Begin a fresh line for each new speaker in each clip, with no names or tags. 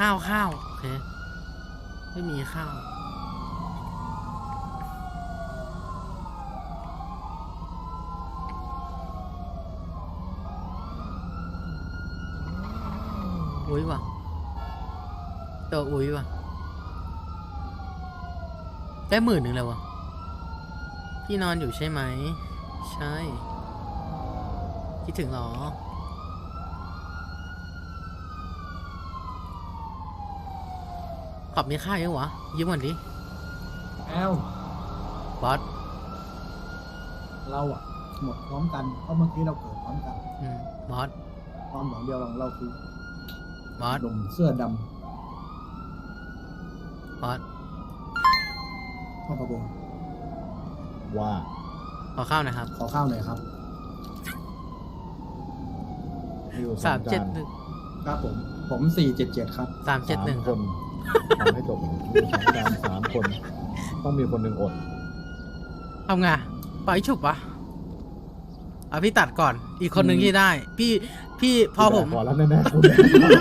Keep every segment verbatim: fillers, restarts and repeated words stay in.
ข้าวข้าวโอเคไม่มีข้าวอุ้ยว่ะตัวอุ้ยว่ะได้หมื่นหนึ่งแล้ววะพี่นอนอยู่ใช่ไหมใช่คิดถึงหรอขอบมีค่าเยอะวะยืมก่อนดิ
แอล
บอส
เราอะหมดพร้อมกันเพราะเมื่อกี้เราเกิดพร้อมกัน
อืมบอส
ความหวังเดียวของเราคือบ
อส
หนุ่มเสื้อด
บอส
ำพ่อประบง
ว่า
ขอข้าวหน่อยครับ
ขอข้าวหน่อยครับ
สามเจ็ดหนึ่ง
ครับผมผมสี่เจ็ดเจ็ดครับ
สามเจ็ดหนึ่ง
คนทำให้จบมีสองจานสามคนต้องมีคนหนึ่งอด
ทำไงปล่อยฉุบวะเอาพี่ตัดก่อนอีกคนหนึ่งที่ได้พี่พี่พอผม
พอแล้วแน่ๆคุณ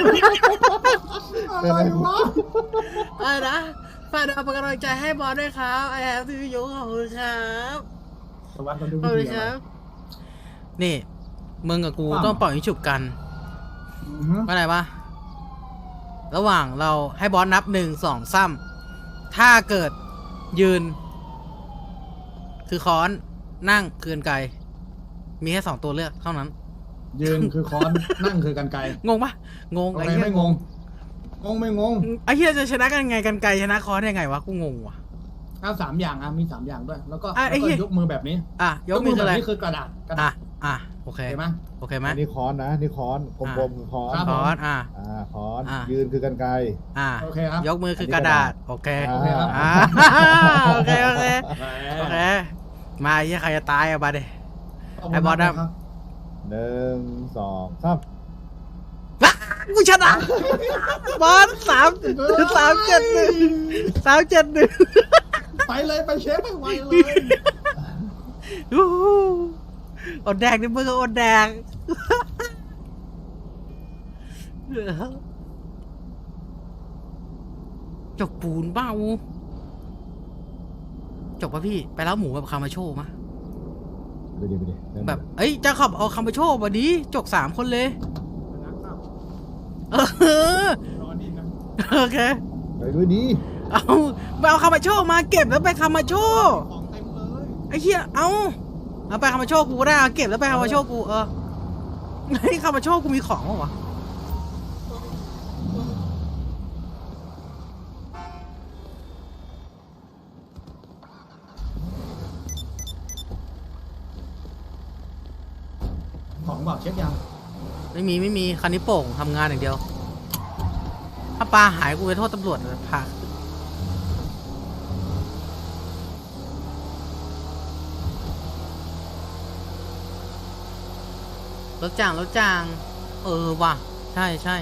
อะไรวะ
อะไรนะฝากเอาเป็นกำลังใจให้บอสด้วยครับไอแอฟซียูขอบคุณครับ
สวัสดี
ขอบคุณครับนี่มึงกับกูต้องปล่อยฉุบกันว่าอะไรวะระหว่างเราให้บอสนับหนึ่งสองซ้ำถ้าเกิดยืนคือค้อนนั่งคือกันไกรมีแค่สองตัวเลือกเท่านั้น
ยืนคือค้อนนั่งคือกันไกรง
งปะงง
ไอ้เหี้ยไม่งงงงไม่งง
ไอ้เหี้ยจะชนะกันไงกันไกรชนะค้อนยังไงวะกูงงว่ะ
เอาสามอย่างอ่ะมีสามอย่างด้วยแล้วก็
ไอ้เหี้ย
ยกมือแบบนี้
อ่ะยกมืออะไร
นี่คือกระดาษกระดาษ
อ่ะโอเค
เห็นไหม
โอเคไหม
นี่ค้อนนะนี่ค้อนกลมๆคือค้อน
ค้อนอ่ะ
อ่าค้อนยืนคือกันไกร
อ่ะ
โอเคครับ
ยกมือคือกระดาษโอเค
โอเคครับ
โอเคโอเคโอเคมาไอ้ใครจะตายอ่ะบาดเดไอ้บอสนะ
หนึ่งสองสาม
กูชนะบอสสามสามเจ็ดหนึ่งสามเจ็ดหนึ่ง
ไปเลยไปเชฟไปไวเลย
อดแดงนี่มึงก็อดแดงจกปูนเบ้าจกป่ะพี่ไปแล้วหมูแบบคามาโชว์มะ
ไปดิไปดิ
แบบเอ้ยจะขับเอาคามาโชว์มาดิจกสามคนเลยเออโอเค
ไปด้วยดี
เอาไปเอาคามาโชว์มาเก็บแล้วไปคามาโชว์ไอ้เหี้ยเอาเอาไปคามาโชว์กูได้เก็บแล้วไปคามาโชว์กูเออไอ้คามาโชว์กูมีของวะ
ของบอกเช็คยัง
ไม่มีไม่มีคันนี้โป่งทำงานอย่างเดียวถ้าปลาหายกูไปโทษตำรวจเลยพารถจางรถจางเออว่ะใช่ใช่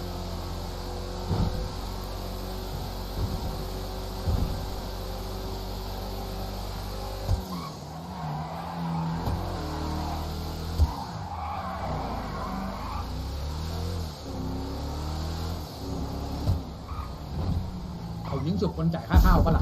เอายิงสุดคนจ่ายค่าข้าวปะล่ะ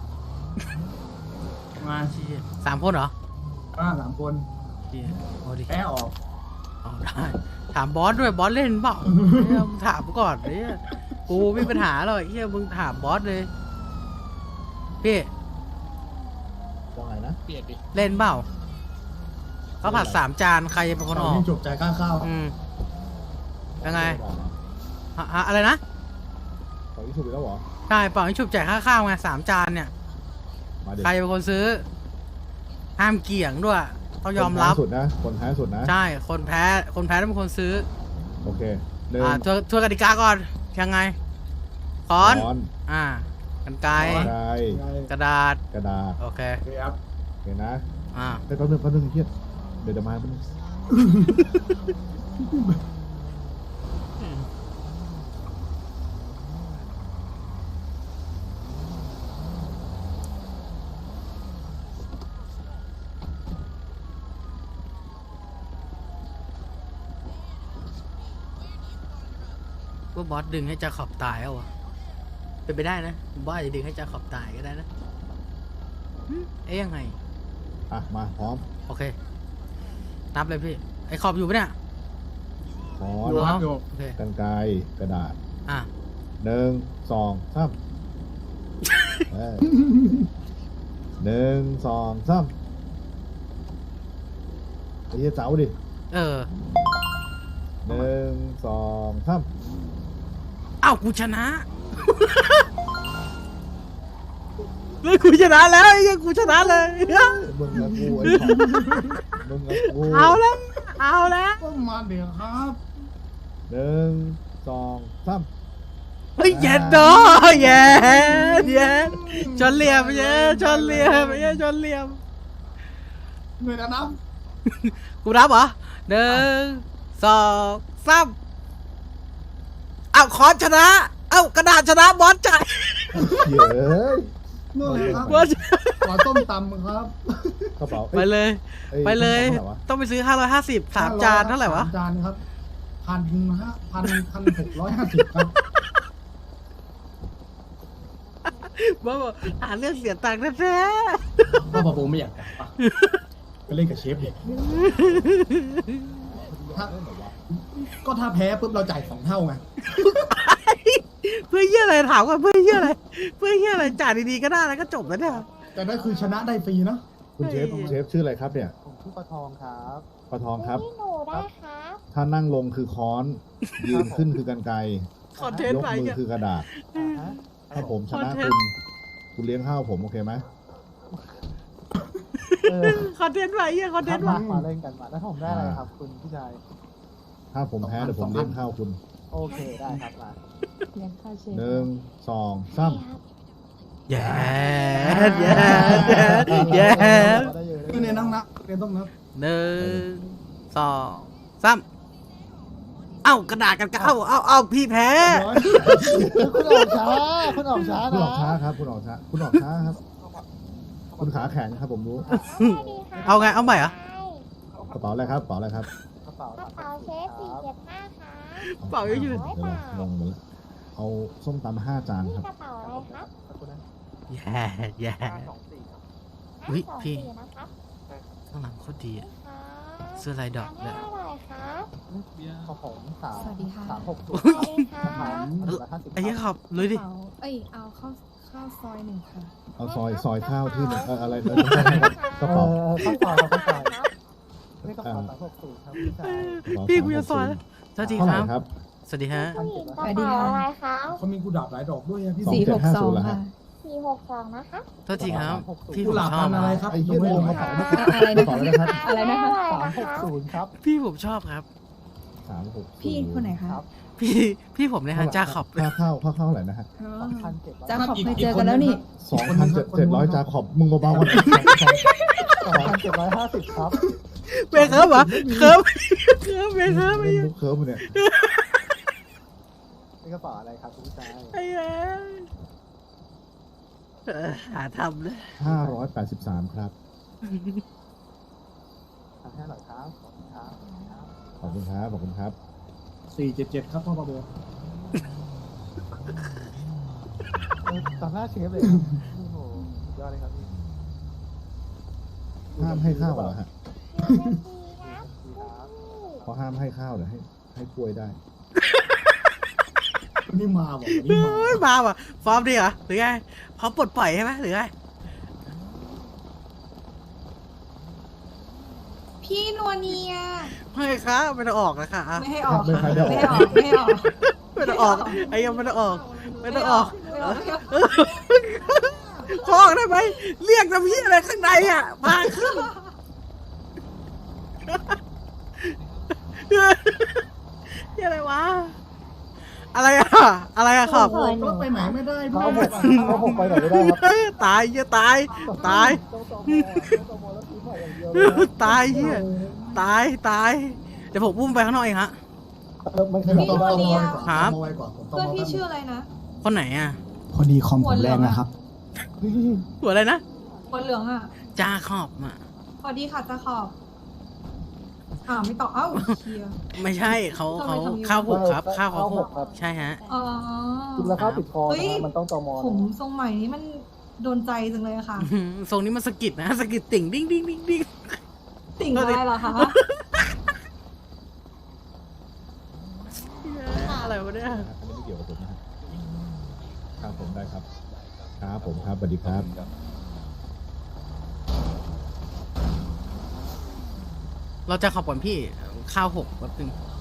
มา
สามคนเหรอ
อ่าสามคนแพ้ออก
เอาได้ถามบอสด้วยบอสเล่นเปล่าถามก่อนเนี่ยกูไม่มีปัญหาหรอกเฮียมึงถามบอสเลยพี่
ว่าไงนะเปลี่ยนดิ
เล่นเปล่าเขาผัดสามจานใครจะเป็นคนออก
จบจ่ายค่าข้าว
อืมยังไงอะไรนะ
เป่ายิงฉุบแล้วเหรอ
ใช่เป่ายิงฉุบจ่ายค่าข้าวไงสามจานเนี่ยใครเป็นคนซื้อห้ามเกี่ยงด้วยต้องยอมรับ
สุดนะคนแพ้สุดนะ
ใช่คนแพ้คนแพ้ต้องเป็นคนซื้อ
โอเค
อ่าทัวทัวกติกาก่อนยังไงค้อนอ่ากันไกรกระดาษ
กระดาษ
โอเค
ครับ
เห็นนะ
อ่า
ไปแป๊บนึงแป๊บนึงเครียดเดี๋ยวจะมาแป๊บนึง
ว่าบอสดึงให้จาขอบตายเอาวะเป็นไปได้นะผมว่าอาจจะดึงให้จาขอบตายก็ได้นะหึเอ๊ยยังไง
อ่ะมาพร้อม
โอเค นับเลยพี่ ไอ้ขอบอยู่ปะเนี่ย
ค้อ
อยู่
น
ครับอยู่
โอเค
กันไกรกระดาษ
อ่ะ
หนึ่งสองสามเอ้ยหนึ่งสองสามไอ้เหี้ยเจ้าดิ
เออ
หนึ่งสองสาม
อ้าวกูชนะ เฮ้ยกูชนะแล้วไอ้เหี้ยังกูชนะเลย
มึงกับกูไอ้ขอบมึงกับกู
เอาแล้ว เอาแล้ว
ก็มาเดี๋ยวครับ
หนึ่งสองสาม
เฮ้ยเย็นเนาะเย็นเย็นชนเหลี่ยมเย็นชนเหลี่ยมเย็นชนเหลี่ยม
เหนื่อยแล้วนะ
กูรับเหรอหนึ่งสองสามเอาคอนชนะ เอากระดาษชนะบอสจ่าย
เย้ย
เหนื่อยครับ
บอส
ขอต้มตำครับ
กระเป๋า
ไปเลย
อ้
ไปเลย
ท่าไหร่วะ
ต้องไปซื้อห้าร้อยห้าสิบสามจานเท่าไหร่วะ
สามจานครับพันห้าพันพันหกร้อยห้าสิบครับ
บอสบอกหาเรื่องเสียตังค์แท้
พ่อปะโบไม่อยากกลับปะไปเล่นกับเชฟดิถ้าก็ถ้าแพ้ปุ๊บเราจ่ายสองเท่าไง
ๆเพื่อเยี่ยอะไรถามก่อนเพื่อเยี่ยอะไรเพื่อเยี่ยอะไรจ่ายดีๆก็ได้แล้วก็จบแล้วเนี่ย
แต่นั่นคือชนะได้ฟรีนะ
คุณเชฟคุณเชฟชื่ออะไรครับเนี่ย
ผมชื่อปลาทองครับ
ปลาทองครับ
ที่หนูได้ครับ
ถ้านั่งลงคือค้อน ยืนขึ้นคือกันไกร
คอนเทน
ย
ต์
ก
ไป
มือ
เนี่ย
คือกระดาษ
อ่าฮะ
ถ้าผมชนะ
คอนเท
คุ
น
ณ
ต์
คุณเลี้ยงข้าวผมโอเคไหม
เออ
คอนเทนต์ไปเยี่ยคอนเท
ทั
น
ก
ต์
มา
มา
มาเล่นกันมาแล้วผมได้อะไรครับ คุณพี่ชาย
ถ้าผมแพ้เดี๋ยวผมเลี้ยงข้าวคุณ
โอเคได้ครับมา
เลี้ยงข้าวเชฟ
หนึ่งสองสาม
แย่แย่แย่แย่
ได้เยอะ
คือเนี่ยนั่งนับเรียนต้องนับ
หนึ่งสองสามเอ้ากระดาษกันก็เอ้าเอ้าเอ้าพี่แพ้
ร้อย
คุณออกช้าคุณออกช้า
คุณ
นะ
ออกช้าครับ คุณออกช้า คุณออกช้าครับ คุณขาแข็งครับผมรู้
เอาไงเอาใหม่เหรอ
กระเป๋าอะไรครับกระเป๋าอะไรครับ
กระเป๋าก
ระเป๋าเชฟสี่เจ็ดห้าค่ะ
เป๋าเยอะอยู่
เดี๋ยวนะงงหมดแล้วเอาส้มตำห้าจาน
นี่
ครับ
กระเป๋าอะไรครับ
ขอบคุณนะ
แย่แย่
สองสี่ครับ
อุ๊ย
ห้าสอง
พี่
สี่นะครับ
ข้างหลังโคตรดีอะ
ค่ะ
เสื้อลายดอก
ทาน
เล
ให้
ย
อร่อยครับ
ของผมสาม
สวัสดีค่ะ
สามหกศูน
ส
ย์
วัสดีค่ะ
สามหนึ่งร้อยห้าสิบ
ไอ้เหี้ย
ค
ข
รับ
อบเลยดิ
เอาเอ้ย เอาข้าวข้าวซอยหนึ่งค่ะ
เอาซอยซอยข้าวที่หนึ่งเอ่ออะไรนะกระ
เอ
เป๋า
อข้าวซอยครับข้าวซอยนี่กระเป๋าสามหกศูนย์ครับพี่ชาย
พี่กูจะสอนสวัสดี
เท่า
ค
ไหร่
รับ
ครับ
สวัสดีฮะ
ผู้หญิงกระเป๋าอะไรคะ
เขามีกุหลาบหลายดอกด้วยอะพี่
สอง
สี่
เจ็
ห
ด
ก
ห้า
สอ
ศู
ง
นย์แล้ว
ค่ะ
ฮะ
สี่หกสองนะคะ
โทษทีครับ พี่ผ
กุ
ม
หลาบ
ชอ
พั
บ
นธุ์อะไรครับ
ไอ้เหี้ย
ไม่
ล
รู้
ง
ค
ก
รั
ระ
บ
เป๋าไม่
อะไร
กระ
นะ
เป๋า
คะ
เลยนะครับ
อะไรนะคะ
สามหกศูนย์ครับ
พี่ผมชอบครับ
สามหก
พี่คนไหนคะ
ครับ
พี่พี่ผมเนี่ยฮะจ้าขอบ
ค่าข้าวค่าข้าวเท่าไหร่นะฮะ
อ๋อ
สองพันเจ็ดร้อย
จ้าขอบเคยเจอกันแล้วนี่
สองพันเจ็ดเจ็ดร้อยจาขอบมึงเบาๆกัน
สองพันเจ็ดร้อยห้าสิบครับ
เบรกเคิร์ฟเหรอเคิร์ฟเคิร์ฟเบรกเคิร์ฟไอ้
เล่น
เหี้ย
มุกเคิร์ฟเนี่ย
นี่กระเป๋าอะไรครับคุณพี่ชาย
ไอ้เหี้ยเออหาทำเลย
ห้าร้อยแปดสิบสามครับ
ทำให้อร่อยครับขอบคุณครับ
ขอบคุณครับขอบคุณครับ
สี่เจ็ดเจ็ดครับพ่อปะโบ
เออต่อหน้าเชฟเลยครับโอ้โหสุดยอดเลยครับพี่
ห้ามให้ข้าวเหรอฮะ
เชฟดีครับ
ดีครับ
เขาห้ามให้ข้าวเดี๋ยวให้ให้กล้วยได้
วันนี่มาบอกวันนี่มา
เฮ้ยมาว่ะฟอร์มดีเหรอหรือไงพร้อมปลดปล่อยใช่ไหมหรือไง
พี่นัวเนีย
ไม่ครับไม่ต้องออกนะคะ
ไม่ให้ออก
ไม่
ค่ะ
ให้
ไม่
ได้
ให้
อ
อ
อ
อก ก ไม่ให้ออก
ไม่ต้องออกไอ้ยังไม่ต้องออกไม่ต้องออก
ไม่ออกไม่ออก
ขอออกได้ไหมเรียกน้ำพี่อะไรข้างในอ่ะพาขึ้นนี่อะไรวะอะไรอ่ะอะไรอ่ะครับ
โอ้โหรถไปไหนไม่ได้ด้ว
เอา
ย
หกเอาหกไปไหนไม่ได้ครับ
ตายเหี้ยตายตาย
ต้องตอมอต้องตอมอแล้วซื้อใหม่อย่างเดียวเลยนะ
ตายเหี้ยตายตายเดี๋ยวผมพุ่มไปข้างนอกเองฮะ
เออมันข
ผม
ยับ
ต้อง
ได้
ต้อง
ไหม
มอไว้ก่อน
ครับ
ต้องมอไว้ก่อนผมต้อง
เพื่อน
มอ
พี่
แป๊บ
ชื่ออะไรนะ
คนไหนอ่ะ
พอดีคอมผมแรงนะครับ
หัวอะไรนะ
หัวเหลืองอ่ะ
จาขอบอ่ะ
สวัสดีค่ะจ้าขอบอ่าไม่ต่อเอ้าเชียร์
ไม่ใช่เขาเขา
ทำไมทำอย่างนี้
ข้าวหกครับ
เออ
ข้าวเขา
ข้าว
ห
ห
ก
กครับ
ใช่ฮะ
อ๋อ
กินแล้วข้าวติดคอ
เฮ้ย
นะมันต้องตอมอ
ผมทรงใหม่นี้มันโดนใจจังเลยอะค่ะ
อื้อหือทรงนี้มันสะกิดนะสะกิดติ่งดิ้งดิ้งดิ้งดิ้ง
ติ่งอะไรเหรอคะ
อะไรวะเนี่ย
อันนี้ไม่เกี่ยวกับผมนะฮะครับผมได้ครับครับผมครับสวัสดีครับ
เราจะขับก่อนพี่ข้าวหกแป๊บนึง